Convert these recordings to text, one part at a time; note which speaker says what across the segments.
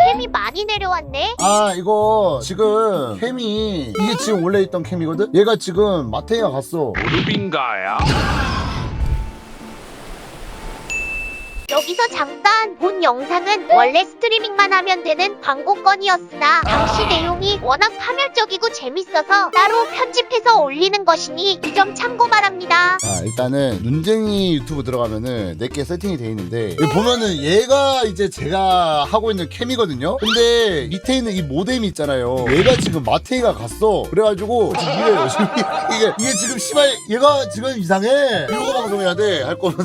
Speaker 1: 캠이 많이 내려왔네.
Speaker 2: 아 이거 지금 캠이 이게 지금 원래 있던 캠이거든? 얘가 지금 마테이가 갔어.
Speaker 3: 무릎인가요?
Speaker 1: 여기서 잠깐 본 영상은 원래 스트리밍만 하면 되는 광고건이었으나 당시 내용이 워낙 파멸적이고 재밌어서 따로 편집해서 올리는 것이니 이 점 참고 바랍니다.
Speaker 2: 자 일단은 눈쟁이 유튜브 들어가면은 내게 세팅이 돼 있는데 여기 보면은 얘가 이제 제가 하고 있는 캠이거든요. 근데 밑에 있는 이 모뎀이 있잖아요. 얘가 지금 마테이가 갔어. 그래가지고 지금 일을 열심히 이게 지금 씨발 얘가 지금 이상해. 이러고 방송해야 돼 할 거면.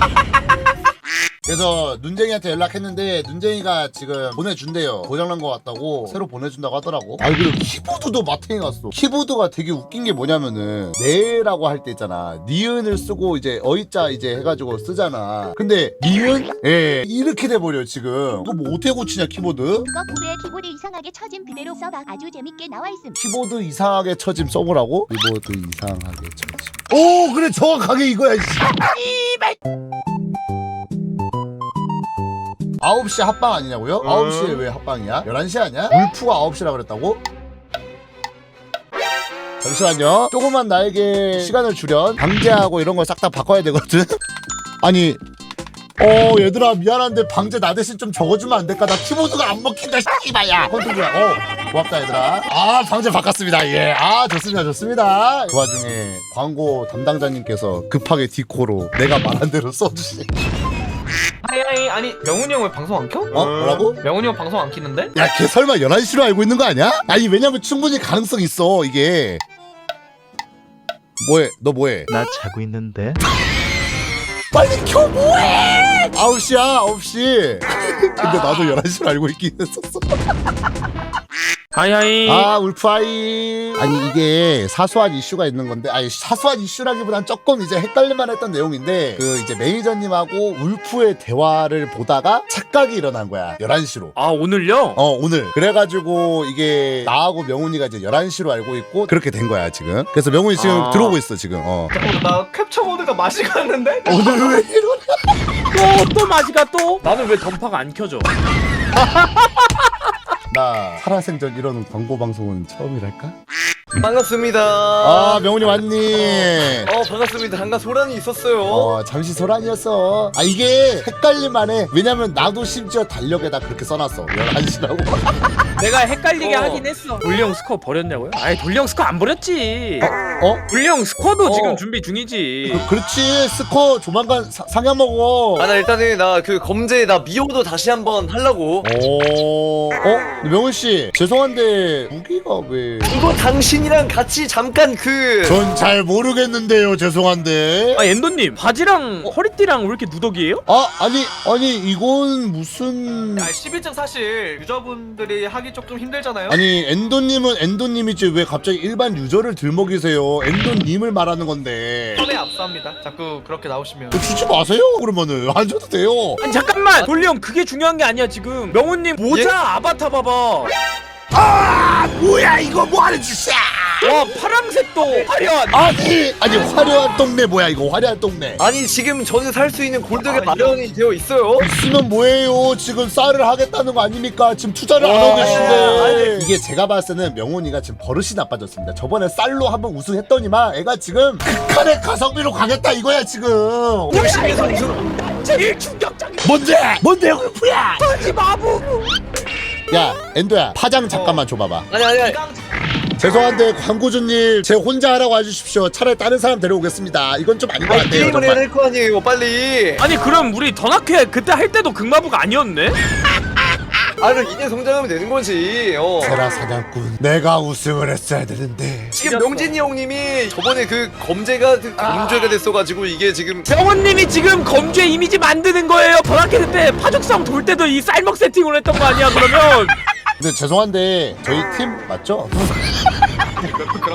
Speaker 2: 그래서 눈쟁이한테 연락했는데 눈쟁이가 지금 보내준대요. 고장난 거 같다고 새로 보내준다고 하더라고. 아 그리고 키보드도 마탱이 갔어. 키보드가 되게 웃긴 게 뭐냐면은 네라고 할 때 있잖아. 니은을 쓰고 이제 어이자 이제 해가지고 쓰잖아. 근데 니은? 예 이렇게 돼버려 지금. 이거 뭐 어떻게 고치냐 키보드?
Speaker 4: 그거 고르에 키보드 이상하게 쳐짐 그대로 써봐. 아주 재밌게 나와있음.
Speaker 2: 키보드 이상하게 쳐짐 써보라고? 키보드 이상하게 쳐짐. 오 그래 정확하게 이거야. 9시 합방 아니냐고요? 9시에 왜 합방이야? 11시 아니야? 울프가 9시라 그랬다고? 잠시만요. 조금만 나에게 시간을 주련. 방제하고 이런 걸 싹 다 바꿔야 되거든? 아니 얘들아 미안한데 방제 나 대신 좀 적어주면 안 될까? 나 키보드가 안 먹힌다 씨발야. 컨트롤 고맙다 얘들아. 아 방제 바꿨습니다. 예. 아 좋습니다. 그 와중에 광고 담당자님께서 급하게 디코로 내가 말한 대로 써주시.
Speaker 5: 하이하이. 아니 명훈이 형 왜 방송 안 켜?
Speaker 2: 뭐라고?
Speaker 5: 명훈이 형 방송 안 키는데?
Speaker 2: 야, 걔 설마 11시로 알고 있는 거 아니야? 아니, 왜냐면 충분히 가능성 있어, 이게. 뭐해? 너 뭐해?
Speaker 6: 나 자고 있는데.
Speaker 2: 빨리 켜, 뭐해! 9시야, 9시. 근데 나도 11시로 알고 있긴 했었어.
Speaker 3: 하이하이.
Speaker 2: 아, 울프아이. 아니, 이게 사소한 이슈가 있는 건데, 아니, 사소한 이슈라기보단 조금 이제 헷갈릴만 했던 내용인데, 그 이제 매니저님하고 울프의 대화를 보다가 착각이 일어난 거야. 11시로.
Speaker 3: 아 오늘요?
Speaker 2: 오늘. 그래가지고 이게 나하고 명훈이가 이제 11시로 알고 있고 그렇게 된 거야 지금. 그래서 명훈이 지금 들어오고 있어 지금.
Speaker 5: 잠깐만 나 캡처 모드가 맛이 갔는데?
Speaker 2: 오늘 왜 이러냐?
Speaker 3: 또 마지가 또? 나는 왜 던파가 안 켜져?
Speaker 2: 나 살아생전 이런 광고 방송은 처음이랄까?
Speaker 7: 반갑습니다.
Speaker 2: 아 명훈이 왔니?
Speaker 7: 반갑습니다. 잠깐 소란이 있었어요.
Speaker 2: 잠시 소란이었어. 아 이게 헷갈릴만해. 왜냐면 나도 심지어 달력에다 그렇게 써놨어 11시라고.
Speaker 3: 내가 헷갈리게 하긴 했어. 돌령 스코어 버렸냐고요? 아니 돌령 스코어 안 버렸지. 돌령 스코어도 지금 준비 중이지.
Speaker 2: 그렇지. 스코어 조만간 상향 먹어.
Speaker 7: 나 일단은 나 그 검제 나 미호도 다시 한번 하려고.
Speaker 2: 명훈씨 죄송한데 무기가 왜?
Speaker 7: 이거 당신이랑 같이 잠깐
Speaker 2: 전 잘 모르겠는데요. 죄송한데.
Speaker 3: 아 엔도님 바지랑 허리띠랑 왜 이렇게 누더기예요?
Speaker 2: 아니 이건 무슨?
Speaker 5: 11층 사실 유저분들이 하기 조금 힘들잖아요.
Speaker 2: 아니 엔도님은 엔도님이지 왜 갑자기 일반 유저를 들먹이세요? 엔도님을 말하는 건데.
Speaker 5: 선에 압수합니다. 자꾸 그렇게 나오시면.
Speaker 2: 주지 마세요. 그러면은 안 줘도 돼요.
Speaker 3: 아니 잠깐만 돌령 그게 중요한 게 아니야 지금. 명훈님 모자 아바타 봐봐.
Speaker 2: 뭐야 이거 뭐하는 짓이야?
Speaker 3: 와 파랑색도 화려한.
Speaker 2: 아니 화려한 동네 뭐야 이거 화려한 동네.
Speaker 7: 아니 지금 저는 살 수 있는 골드가 마련이 되어 있어요.
Speaker 2: 있으면 뭐해요? 지금 쌀을 하겠다는 거 아닙니까? 지금 투자를 안 하고 계신데. 이게 제가 봤을 때는 명훈이가 지금 버릇이 나빠졌습니다. 저번에 쌀로 한번 우승했더니만 애가 지금 극한의 가성비로 가겠다 이거야 지금.
Speaker 7: 열심히 해서 우승.
Speaker 3: 제일 충격적인
Speaker 2: 뭔데 울프야?
Speaker 3: 거지 마부.
Speaker 2: 야 엔도야 파장 잠깐만 줘봐봐.
Speaker 7: 아니.
Speaker 2: 죄송한데 광고주님 제 혼자 하라고 해주십시오. 차라리 다른 사람 데려오겠습니다. 이건 좀 아닌 것 같아요.
Speaker 7: 게임을 해야
Speaker 2: 정말.
Speaker 7: 될 거 아니에요. 빨리.
Speaker 3: 아니 그럼 우리 더나케 그때 할 때도 극마부가 아니었네?
Speaker 7: 그럼 이제 성장하면 되는 거지.
Speaker 2: 세라 사냥꾼 내가 우승을 했어야 되는데.
Speaker 7: 지금 명진이 형님이 저번에 그 검제가 문제가 됐어가지고 이게 지금
Speaker 3: 명훈님이 지금 검주의 이미지 만드는 거예요. 더나케 때 파죽성 돌 때도 이 쌀먹 세팅을 했던 거 아니야 그러면?
Speaker 2: 근데 죄송한데 저희 팀 맞죠?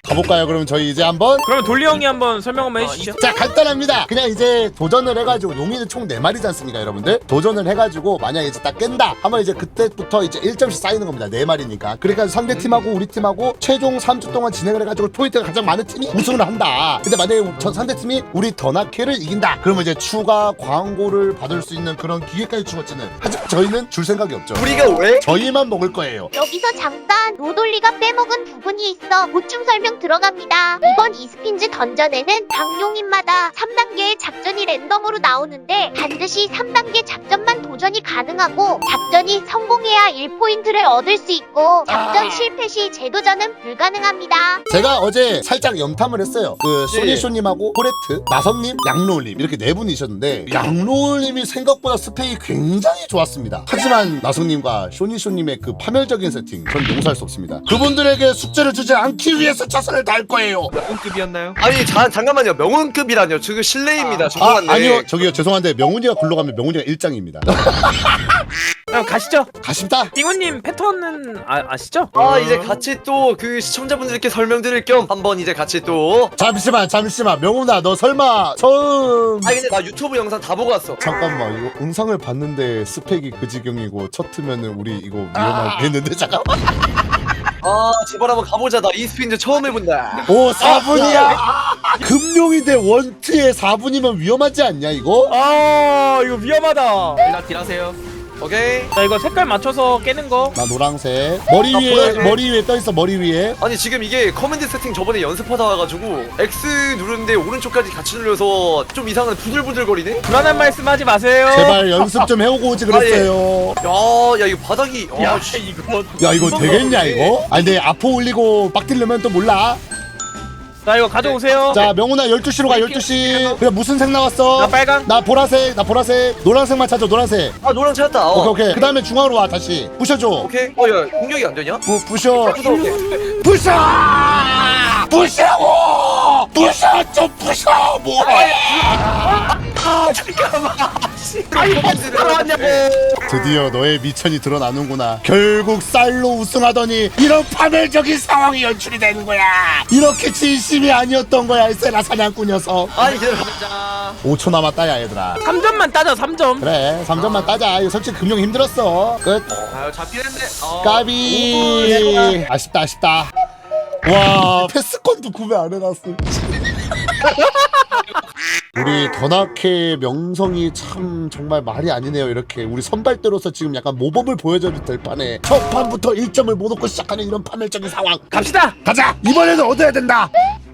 Speaker 2: 가볼까요? 그럼 저희 이제 한번.
Speaker 3: 그러면 돌리 형이 한번 설명 한번 해주시죠.
Speaker 2: 자, 간단합니다. 그냥 이제 도전을 해가지고 용인은 총 4마리지 않습니까, 여러분들? 도전을 해가지고 만약에 이제 딱 깬다 하면 이제 그때부터 이제 1점씩 쌓이는 겁니다. 4마리니까. 그러니까 상대 팀하고 우리 팀하고 최종 3주 동안 진행을 해가지고 포인트가 가장 많은 팀이 우승을 한다. 근데 만약에 상대 팀이 우리 더나케를 이긴다. 그러면 이제 추가 광고를 받을 수 있는 그런 기회까지 주어지는. 하지만 저희는 줄 생각이 없죠.
Speaker 7: 우리가 왜?
Speaker 2: 저희만 먹을 거예요.
Speaker 1: 여기서 잠깐 로돌리가 빼먹은 부분이 있어 보충 설명 들어갑니다. 이번 이스핀즈 던전에는 각 용인마다 3단계의 작전이 랜덤으로 나오는데 반드시 3단계 작전만 도전이 가능하고 작전이 성공해야 1포인트를 얻을 수 있고 작전 실패 시 재도전은 불가능합니다.
Speaker 2: 제가 어제 살짝 염탐을 했어요. 그 쇼니쇼님하고 코레트, 나성님, 양로울님 이렇게 4분이셨는데 양로울님이 생각보다 스펙이 굉장히 좋았습니다. 하지만 나성님과 쇼니쇼님의 그 파멸적인 세팅 전 용서할 수 없습니다. 그분들에게 숙제를 주지 않기 위해서 최선을 다할 거예요.
Speaker 5: 명운급이었나요?
Speaker 7: 아니 잠깐만요. 명운급이라뇨. 지금 실례입니다. 죄송한데.
Speaker 2: 아니요, 저기요, 죄송한데 명훈이가 굴러가면 명훈이가 1장입니다.
Speaker 3: 그럼 가시죠.
Speaker 2: 가십니다.
Speaker 3: 띵우님 패턴은 아시죠?
Speaker 7: 이제 같이 또 그 시청자분들께 설명드릴 겸 한번 이제 같이 또.
Speaker 2: 잠시만 명훈아, 너 설마 처음
Speaker 7: 근데 나 유튜브 영상 다 보고 왔어.
Speaker 2: 잠깐만, 이거 영상을 봤는데 스펙이 그 지경이고 첫 트면은 우리 이거 위험하겠는데. 잠깐만.
Speaker 7: 제발 한번 가보자. 나 이스핀즈 처음 해본다.
Speaker 2: 오, 4분이야. 금룡인데 원트에 4분이면 위험하지 않냐 이거?
Speaker 3: 이거 위험하다.
Speaker 5: 일단 딜하세요.
Speaker 7: 오케이.
Speaker 3: 자 이거 색깔 맞춰서 깨는 거.
Speaker 2: 나 노랑색. 머리 위에
Speaker 7: 보라색.
Speaker 2: 머리 위에 떠 있어. 머리 위에.
Speaker 7: 아니 지금 이게 커맨드 세팅 저번에 연습하다 와가지고 X 누르는데 오른쪽까지 같이 눌려서 좀 이상한 부들부들거리네?
Speaker 3: 불안한 말씀하지 마세요.
Speaker 2: 제발 연습 좀 해오고 오지 그랬어요.
Speaker 7: 야 이거 바닥이
Speaker 3: 야 이거.
Speaker 2: 야, 이거 되겠냐 이거? 아니 근데 아포 올리고 빡 딜려면 또 몰라.
Speaker 3: 자 이거 가져오세요.
Speaker 2: 자, 명훈아 12시로 가. 12시. 그래, 무슨 색 나왔어?
Speaker 3: 나 빨강.
Speaker 2: 나 보라색. 노란색만 찾아. 노란색.
Speaker 7: 노랑 찾았다.
Speaker 2: 오케이. 그 다음에 중앙으로 와. 다시 부셔줘.
Speaker 7: 오케이. 야 공격이 안 되냐?
Speaker 2: 부셔.
Speaker 7: 오케이.
Speaker 2: 부셔. 부셔고. 부셔. 좀 부셔. 뭐해? 드디어 너의 미천이 드러나는구나. 결국 쌀로 우승하더니 이런 파멸적인 상황이 연출이 되는 거야. 이렇게 진심이 아니었던 거야, 이 세라 사냥꾼 녀석.
Speaker 7: 아니 기다려.
Speaker 2: 5초 남았다, 야 얘들아.
Speaker 3: 3점만 따자 3점.
Speaker 2: 그래, 3점만 따자. 이거 솔직히 금융 힘들었어. 끝.
Speaker 5: 잡긴 했네.
Speaker 2: 까비. 아쉽다. 와, 패스권도 구매 안 해놨어. 우리 더나케 명성이 참 정말 말이 아니네요. 이렇게 우리 선발대로서 지금 약간 모범을 보여줘도 될 판에 첫 판부터 1점을 못 얻고 시작하는 이런 파멸적인 상황.
Speaker 3: 갑시다.
Speaker 2: 가자. 이번에는 얻어야 된다.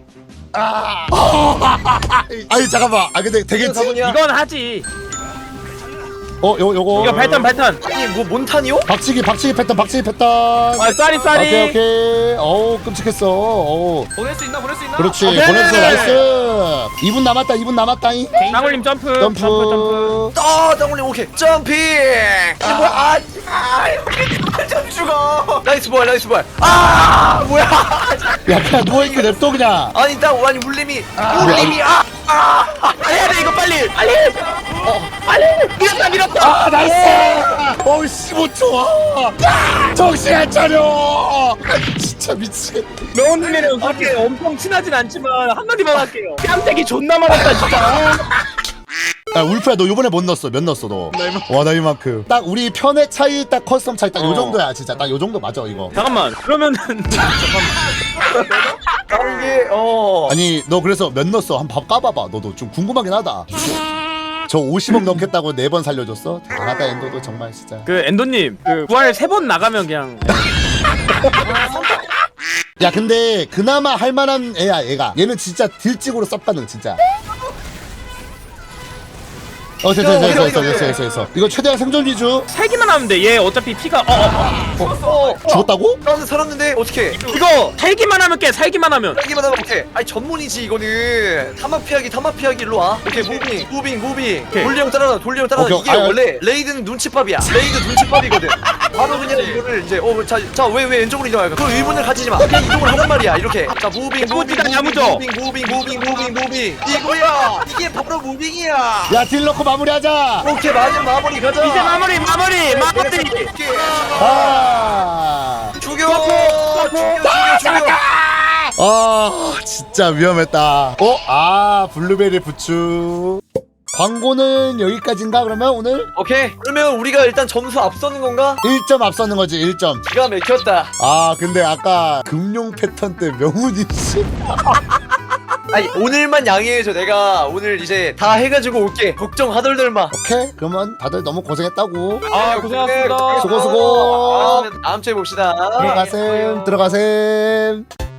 Speaker 2: 아니 잠깐만. 근데 되겠지?
Speaker 3: 이건 하지.
Speaker 2: 요거
Speaker 3: 이거 발탄.
Speaker 7: 아니 뭐 몬탄이요?
Speaker 2: 박치기 패턴.
Speaker 3: 쌀이.
Speaker 2: 오케이. 어우, 끔찍했어.
Speaker 5: 보낼 수 있나?
Speaker 2: 그렇지.
Speaker 3: 오케이.
Speaker 2: 보냈어. 나이스. 2분 남았다잉.
Speaker 3: 쌍울림 점프.
Speaker 2: 점프.
Speaker 7: 땅올림 오케이. 점핑. 이게 뭐야? 좀 죽어. 나이스 볼. 뭐야?
Speaker 2: 야, 그냥 누워있게 냅둬 그냥.
Speaker 7: 아니 울림이.
Speaker 3: 해야 돼 이거 빨리. 밀었다.
Speaker 2: 나이스. 15초. 정신 안 차려. 진짜 미치겠다.
Speaker 3: 명훈님이랑 그렇게 엄청 친하진 않지만 한마디만 할게요. 뺨때기 존나 많았다 진짜.
Speaker 2: 야, 울프야, 너 요번에 몇 넣었어 너? 와, 나 이만큼. 딱 우리 편의 차이, 딱 커스텀 차이, 딱 요 정도야. 진짜 딱 요 정도 맞아 이거.
Speaker 3: 잠깐만 그러면은
Speaker 7: 이게
Speaker 2: 아니, 너 그래서 몇 넣었어? 한번 까봐봐. 너도 좀 궁금하긴 하다. 저 50억 넘겠다고 4번 살려줬어? 대단하다, 엔도도 정말 진짜.
Speaker 3: 그 엔도님 그 부활 3번 나가면 그냥
Speaker 2: 야, 근데 그나마 할만한 애야, 얘가. 얘는 진짜 딜찍으로 쌉가능, 진짜. 됐어. 이거 최대한 생존 위주.
Speaker 3: 살기만 하면 돼. 얘 어차피 피가
Speaker 2: 죽었다고?
Speaker 7: 나는 살았는데 어떻게?
Speaker 3: 이거 살기만 하면 깨. 살기만 하면.
Speaker 7: 여기만 하면 오케이. 아니 전문이지 이거는. 타막 피하기 일로 와. 오케이 무빙.
Speaker 3: 오케이.
Speaker 7: 돌리형 따라가.
Speaker 2: 오케이,
Speaker 7: 이게 원래 레이드는 눈치밥이야. 레이드 눈치밥이거든. 바로 그냥 이거를 이제 왜 왼쪽으로 이동할 그 의문을 가지지 마. 그냥 이동을 하란 말이야. 이렇게. 자 무빙. 이거야. 이게 바로 무빙이야.
Speaker 2: 야, 딜 넣고 마무리하자.
Speaker 7: 오케이 마무리 가자.
Speaker 3: 이제 마무리.
Speaker 2: 아.
Speaker 7: 죽여.
Speaker 2: 아 진짜 위험했다. 블루베리 부추. 광고는 여기까지인가 그러면 오늘?
Speaker 7: 오케이. 그러면 우리가 일단 점수 앞서는 건가?
Speaker 2: 1점 앞서는 거지 1점.
Speaker 7: 기가 막혔다.
Speaker 2: 근데 아까 금룡 패턴 때 명훈이 씨.
Speaker 7: 아니 오늘만 양해해줘. 내가 오늘 이제 다 해가지고 올게. 걱정하덜덜 마.
Speaker 2: 오케이 그러면 다들 너무 고생했다고.
Speaker 3: 고생하셨습니다.
Speaker 2: 수고.
Speaker 7: 다음 주에 봅시다.
Speaker 2: 들어가셈.